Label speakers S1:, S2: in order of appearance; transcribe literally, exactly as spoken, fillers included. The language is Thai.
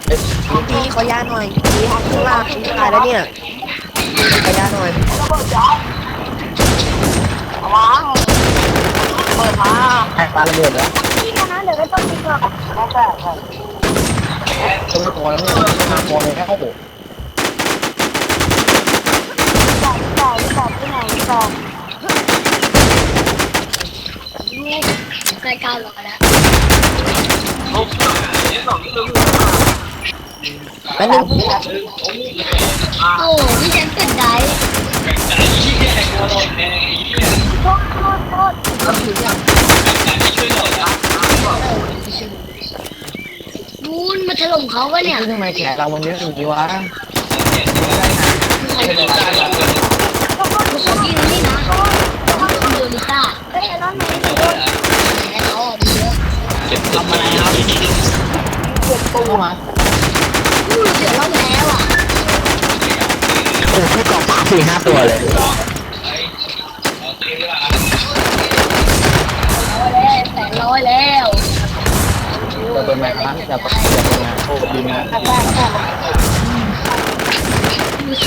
S1: พี่ขอยาหน่อยพี่ห้องข้างล่างตายแล้วเนี่ยขอยาหน่อย
S2: วางเปิดมา
S3: แทงปลาระเบิดแล้ว
S2: พี่นะเดี๋ยวก็ต้องมีก่อนแล้วแต่
S3: ตัวตัวแล้วนี่ห้าตัวเลยแค่เข้าโบ
S2: ต่อต่อต่อที่ไหนต่อใกล้เก้าร้อยแล้ว
S1: แป๊บนึง
S2: โอ้พี่แจ็คเป็นไดโทษโทษโทษนูนมาถล่มเขาวะเนี่ย
S3: ทำไมแขกเรามันเยอะอย่างนี้วะ
S2: เขาเขายิงนี่นะเขาโดนลิซ่าเฮ้ยร้อนไหมโดนแล้วเขาอ่ะมีเยอะ
S3: ทำอะไรครับเก็บตู้มา
S2: พูดเสียร้อนแล้วอ่ะ
S3: โอ้พี่กองสามสี่ห้าตัวเลย
S2: แปดร้อยแล้ว
S3: จะเป็นแม็กซ์นะจะเป็นจะเป็นงานโชคดีนะ